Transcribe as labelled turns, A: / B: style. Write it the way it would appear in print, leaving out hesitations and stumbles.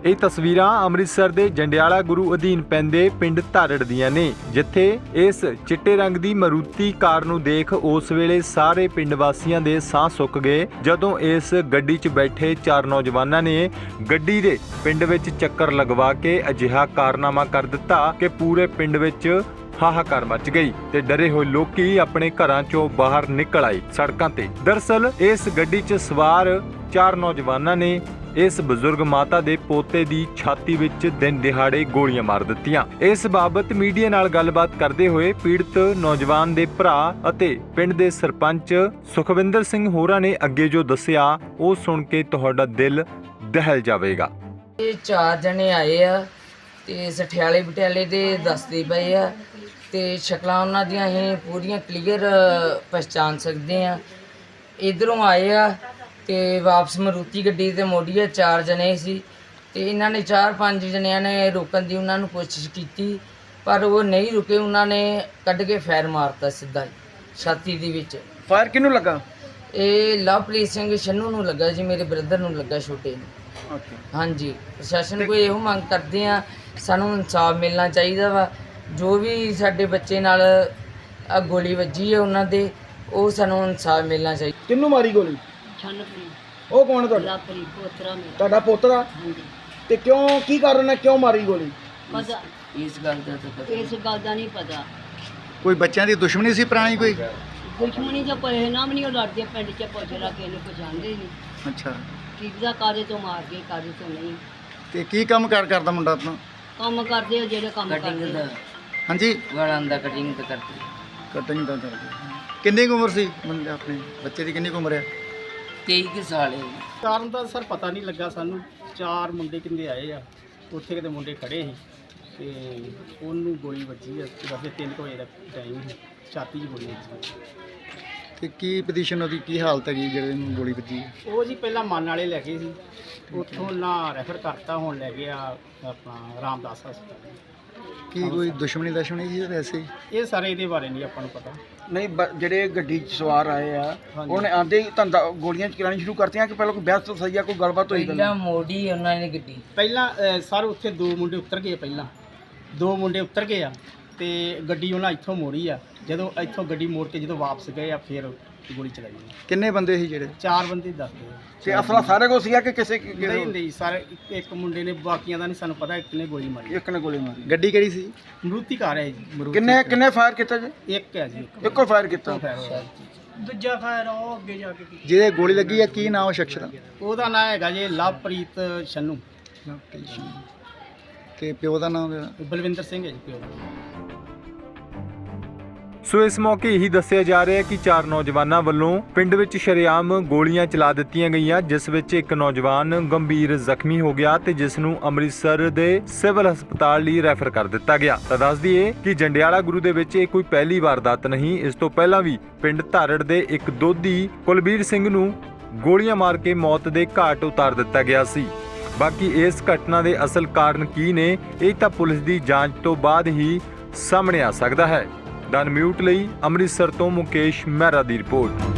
A: ਇਹ ਤਸਵੀਰਾਂ ਅੰਮ੍ਰਿਤਸਰ ਦੇ ਜੰਡਿਆਲਾ ਗੁਰੂ ਅਧੀਨ ਪੈਂਦੇ ਪਿੰਡ ਧਾਰੜ ਦੀਆਂ ਨੇ, ਜਿੱਥੇ ਇਸ ਚਿੱਟੇ ਰੰਗ ਦੀ ਮਾਰੂਤੀ ਕਾਰ ਨੂੰ ਦੇਖ ਉਸ ਵੇਲੇ ਸਾਰੇ ਪਿੰਡ ਵਾਸੀਆਂ ਦੇ ਸਾਹ ਸੁੱਕ ਗਏ, ਜਦੋਂ ਇਸ ਗੱਡੀ 'ਚ ਬੈਠੇ 4 ਨੌਜਵਾਨਾਂ ਨੇ ਗੱਡੀ ਦੇ ਪਿੰਡ ਵਿੱਚ ਚੱਕਰ ਲਗਵਾ ਕੇ ਅਜਿਹਾ ਕਾਰਨਾਮਾ ਕਰ ਦਿੱਤਾ ਕਿ ਪੂਰੇ ਪਿੰਡ ਵਿੱਚ ਹਾਹਾਕਾਰ ਮਚ ਗਈ ਤੇ ਡਰੇ ਹੋਏ ਲੋਕੀ ਆਪਣੇ ਘਰਾਂ 'ਚੋਂ ਬਾਹਰ ਨਿਕਲ ਆਏ ਸੜਕਾਂ ਤੇ। ਦਰਅਸਲ ਇਸ ਗੱਡੀ 'ਚ ਸਵਾਰ 4 ਨੌਜਵਾਨਾਂ ਨੇ ਇਸ ਬਜ਼ੁਰਗ ਮਾਤਾ ਦੇ ਪੋਤੇ ਦੀ ਛਾਤੀ ਵਿੱਚ ਦਿਨ ਦਿਹਾੜੇ ਗੋਲੀਆਂ ਮਾਰ ਦਿੱਤੀਆਂ। ਇਸ ਬਾਬਤ ਮੀਡੀਆ ਨਾਲ ਗੱਲਬਾਤ ਕਰਦੇ ਹੋਏ ਪੀੜਤ ਨੌਜਵਾਨ ਦੇ ਭਰਾ ਅਤੇ ਪਿੰਡ ਦੇ ਸਰਪੰਚ ਸੁਖਵਿੰਦਰ ਸਿੰਘ ਹੋਰਾਂ ਨੇ ਅੱਗੇ ਜੋ ਦੱਸਿਆ ਉਹ ਸੁਣ ਕੇ ਤੁਹਾਡਾ ਦਿਲ ਦਹਿਲ ਜਾਵੇਗਾ।
B: ਇਹ 4 ਜਣੇ ਆਏ ਆ ਤੇ ਸਠਿਆਲੇ ਬਟਿਆਲੇ ਦੇ ਦੱਸਦੇ ਪਏ ਆ ਤੇ ਸ਼ਕਲਾਂ ਉਹਨਾਂ ਦੀਆਂ ਅਸੀਂ ਪੂਰੀਆਂ ਕਲੀਅਰ ਪਛਾਣ ਸਕਦੇ ਆ। ਇਧਰੋਂ ਆਏ ਆ ਤੇ ਵਾਪਸ ਮਾਰੂਤੀ ਗੱਡੀ ਤੇ ਮੋੜੀ ਆ। 4 ਜਣੇ ਸੀ ਤੇ ਇਹਨਾਂ ਨੇ 4-5 ਜਣਿਆਂ ਨੇ ਰੋਕਣ ਦੀ ਉਹਨਾਂ ਨੂੰ ਕੋਸ਼ਿਸ਼ ਕੀਤੀ, ਪਰ ਉਹ ਨਹੀਂ ਰੁਕੇ। ਉਹਨਾਂ ਨੇ ਕੱਢ ਕੇ ਫਾਇਰ ਮਾਰਤਾ ਸਿੱਧਾ ਛਾਤੀ ਦੇ ਵਿੱਚ।
C: ਫਾਇਰ ਕਿਹਨੂੰ ਲੱਗਾ?
B: ਇਹ ਲਵਪ੍ਰੀਤ ਸਿੰਘ ਛੰਨੂ ਨੂੰ ਲੱਗਾ ਜੀ, ਮੇਰੇ ਬ੍ਰਦਰ ਨੂੰ ਲੱਗਾ, ਛੋਟੇ ਨੂੰ। ਹਾਂਜੀ, ਪ੍ਰਸ਼ਾਸਨ ਕੋਈ ਇਹੋ ਮੰਗ ਕਰਦੇ ਆ, ਸਾਨੂੰ ਇਨਸਾਫ ਮਿਲਣਾ ਚਾਹੀਦਾ ਵਾ। ਜੋ ਵੀ ਸਾਡੇ ਬੱਚੇ ਨਾਲ ਗੋਲੀ ਵੱਜੀ ਹੈ ਉਹਨਾਂ ਦੇ, ਉਹ ਸਾਨੂੰ ਇਨਸਾਫ ਮਿਲਣਾ ਚਾਹੀਦਾ।
C: ਕਿਹਨੂੰ ਮਾਰੀ ਗੋਲੀ? ਉਹ ਕੌਣ ਹੈ ਤੁਹਾਡਾ? ਤੁਹਾਡਾ ਪੋਤਰਾ? ਤੇ ਕਿਉਂ, ਕੀ ਕਾਰਨ ਹੈ, ਕਿਉਂ ਮਾਰੀ ਗੋਲੀ?
B: ਪਤਾ ਇਸ ਗੱਲ ਦਾ ਨਹੀਂ ਪਤਾ।
C: ਕੋਈ ਬੱਚਿਆਂ ਦੀ ਦੁਸ਼ਮਣੀ ਸੀ ਪੁਰਾਣੀ? ਕੋਈ
D: ਦੁਸ਼ਮਣੀ ਦਾ ਕੋਈ ਨਾਮ ਨਹੀਂ, ਉਹ ਲੜਦੇ ਪਿੰਡ 'ਚ ਪੁੱਛ ਲਾ ਕੇ ਇਹਨੂੰ ਪਛਾਣਦੇ ਨਹੀਂ।
C: ਅੱਛਾ,
D: ਕੀ ਦਾ ਕਾਦੇ ਤੋਂ ਮਾਰ ਕੇ, ਕਾਦੇ ਤੋਂ ਨਹੀਂ।
C: ਤੇ ਕੀ ਕੰਮ ਕਰਦਾ ਮੁੰਡਾ ਆਪਣਾ?
D: ਕੰਮ ਕਰਦੇ ਆ ਜਿਹੜੇ ਕੰਮ
B: ਕਟਿੰਗ
D: ਕਰਦੇ
B: ਦਾ,
D: ਆ।
C: ਹਾਂਜੀ,
B: ਵਾਲਾਂ ਦਾ ਕਟਿੰਗ ਤਾਂ ਕਰਦੇ।
C: ਕਟਿੰਗ ਦਾ ਕਰਦੇ। ਕਿੰਨੀ ਕੁ ਉਮਰ ਸੀ ਬੰਦੇ ਆਪਣੇ ਬੱਚੇ ਦੀ? ਕਿੰਨੀ ਕੁ ਉਮਰ ਹੈ?
B: 23 ਸਾਲ ਹੈ।
E: ਕਾਰਨ ਦਾ ਸਰ ਪਤਾ ਨਹੀਂ ਲੱਗਾ ਸਾਨੂੰ। 4 ਮੁੰਡੇ ਕਿੰਦੇ ਆਏ ਆ, ਉੱਥੇ ਕਿਤੇ ਮੁੰਡੇ ਖੜੇ ਸੀ ਤੇ ਉਹਨੂੰ ਗੋਲੀ ਵੱਜੀ ਆ। ਵੈਸੇ 3 ਵਜੇ ਦਾ ਟਾਈਮ ਸੀ, ਛਾਤੀ 'ਚ ਗੋਲੀ ਵੱਜੀ।
C: ਤੇ ਕੀ ਪੋਜੀਸ਼ਨ ਉਹਦੀ, ਕੀ ਹਾਲਤ ਹੈਗੀ ਜਿਹੜੇ ਨੂੰ ਗੋਲੀ ਵੱਜੀ?
E: ਉਹ ਜੀ ਪਹਿਲਾਂ ਮਨ ਵਾਲੇ ਲੈ ਗਏ ਸੀ, ਉੱਥੋਂ ਨਾ ਰੈਫਰ ਕਰਤਾ, ਹੁਣ ਲੈ ਗਿਆ ਆਪਣਾ ਰਾਮਦਾਸ ਹਸਪਤਾਲ।
C: ਕੀ ਕੋਈ ਦੁਸ਼ਮਣੀ ਸੀ ਵੈਸੇ?
E: ਇਹ ਸਾਰੇ ਇਹਦੇ ਬਾਰੇ ਨਹੀਂ ਆਪਾਂ ਨੂੰ ਪਤਾ।
C: ਨਹੀਂ, ਜਿਹੜੇ ਗੱਡੀ 'ਚ ਸਵਾਰ ਆਏ ਆ
E: ਹਾਂਜੀ।
C: ਉਹਨੇ ਆਂਦੇ ਹੀ ਧੰਦਾ ਗੋਲੀਆਂ ਚਲਾਉਣੀ ਸ਼ੁਰੂ ਕਰਤੀਆਂ ਕਿ ਪਹਿਲਾਂ ਕੋਈ ਬਹਿਸ ਤੋਂ ਸਹੀ ਆ, ਕੋਈ ਗੱਲਬਾਤ ਹੋਈ?
B: ਪਹਿਲਾਂ ਮੋੜੀ ਉਹਨਾਂ ਨੇ ਗੱਡੀ।
E: ਪਹਿਲਾਂ ਸਰ ਉੱਥੇ 2 ਮੁੰਡੇ ਉਤਰ ਗਏ, ਪਹਿਲਾਂ 2 ਮੁੰਡੇ ਉਤਰ ਗਏ ਆ ਤੇ ਗੱਡੀ ਉਹਨਾਂ ਇੱਥੋਂ ਮੋੜੀ ਆ। ਜਦੋਂ ਇੱਥੋਂ ਗੱਡੀ ਮੋੜ ਕੇ ਜਦੋਂ ਵਾਪਸ ਗਏ ਆ, ਫਿਰ ਗੋਲੀ ਚਲਾਈ।
C: ਕਿੰਨੇ ਬੰਦੇ ਸੀ ਜਿਹੜੇ?
E: 4 ਬੰਦੇ ਦੱਸਦੇ ਆ।
C: ਤੇ ਅਸਲਾ ਸਾਰੇ ਕੋਲ ਸੀਗਾ ਕਿ ਕਿਸੇ
E: ਨਹੀਂ ਸਾਰੇ ਇੱਕ ਮੁੰਡੇ ਨੇ, ਬਾਕੀਆਂ ਦਾ ਨਹੀਂ ਸਾਨੂੰ ਪਤਾ। ਇੱਕ ਨੇ ਗੋਲੀ ਮਾਰੀ।
C: ਇੱਕ ਨੇ ਗੋਲੀ ਮਾਰੀ। ਗੱਡੀ ਕਿਹੜੀ ਸੀ?
E: ਮਰੂਤੀ ਕਾਰ ਹੈ ਜੀ।
C: ਕਿੰਨੇ ਫਾਇਰ ਕੀਤਾ ਜੀ?
E: ਇੱਕ ਹੈ ਜੀ,
C: ਇੱਕੋ ਫਾਇਰ ਕੀਤਾ।
E: ਦੂਜਾ ਫਾਇਰ ਉਹ ਅੱਗੇ ਜਾ ਕੇ ਕੀਤਾ।
C: ਜਿਹਦੇ ਗੋਲੀ ਲੱਗੀ ਆ, ਕੀ ਨਾਮ ਉਹ ਸ਼ਖਸ ਦਾ?
E: ਉਹਦਾ ਨਾਮ ਹੈਗਾ ਜੀ ਲਵਪ੍ਰੀਤ ਛੰਨੂ।
C: ਤੇ ਪਿਓ ਦਾ ਨਾਮ?
E: ਬਲਵਿੰਦਰ ਸਿੰਘ ਹੈ ਜੀ ਪਿਓ।
A: ਸੋ ਇਸ ਮੌਕੇ ਇਹੀ ਦੱਸਿਆ ਜਾ ਰਿਹਾ ਹੈ ਕਿ 4 ਨੌਜਵਾਨਾਂ ਵੱਲੋਂ ਪਿੰਡ ਵਿੱਚ ਸ਼ਰੇਆਮ ਗੋਲੀਆਂ ਚਲਾ ਦਿੱਤੀਆਂ ਗਈਆਂ, ਜਿਸ ਵਿੱਚ ਇੱਕ ਨੌਜਵਾਨ ਗੰਭੀਰ ਜ਼ਖਮੀ ਹੋ ਗਿਆ ਤੇ ਜਿਸ ਨੂੰ ਅੰਮ੍ਰਿਤਸਰ ਦੇ ਸਿਵਲ ਹਸਪਤਾਲ ਲਈ ਰੈਫਰ ਕਰ ਦਿੱਤਾ ਗਿਆ। ਤਾਂ ਦੱਸ ਦਈਏ ਕਿ ਜੰਡਿਆਲਾ ਗੁਰੂ ਦੇ ਵਿੱਚ ਇਹ ਕੋਈ ਪਹਿਲੀ ਵਾਰਦਾਤ ਨਹੀਂ। ਇਸ ਤੋਂ ਪਹਿਲਾਂ ਵੀ ਪਿੰਡ ਧਾਰੜ ਦੇ ਇੱਕ ਦੋਧੀ ਕੁਲਬੀਰ ਸਿੰਘ ਨੂੰ ਗੋਲੀਆਂ ਮਾਰ ਕੇ ਮੌਤ ਦੇ ਘਾਟ ਉਤਾਰ ਦਿੱਤਾ ਗਿਆ ਸੀ। ਬਾਕੀ ਇਸ ਘਟਨਾ ਦੇ ਅਸਲ ਕਾਰਨ ਕੀ ਨੇ, ਇਹ ਤਾਂ ਪੁਲਿਸ ਦੀ ਜਾਂਚ ਤੋਂ ਬਾਅਦ ਹੀ ਸਾਹਮਣੇ ਆ ਸਕਦਾ ਹੈ। ਡਨ ਮਿਊਟ ਲਈ ਅੰਮ੍ਰਿਤਸਰ ਤੋਂ ਮੁਕੇਸ਼ ਮਹਿਰਾ ਦੀ ਰਿਪੋਰਟ।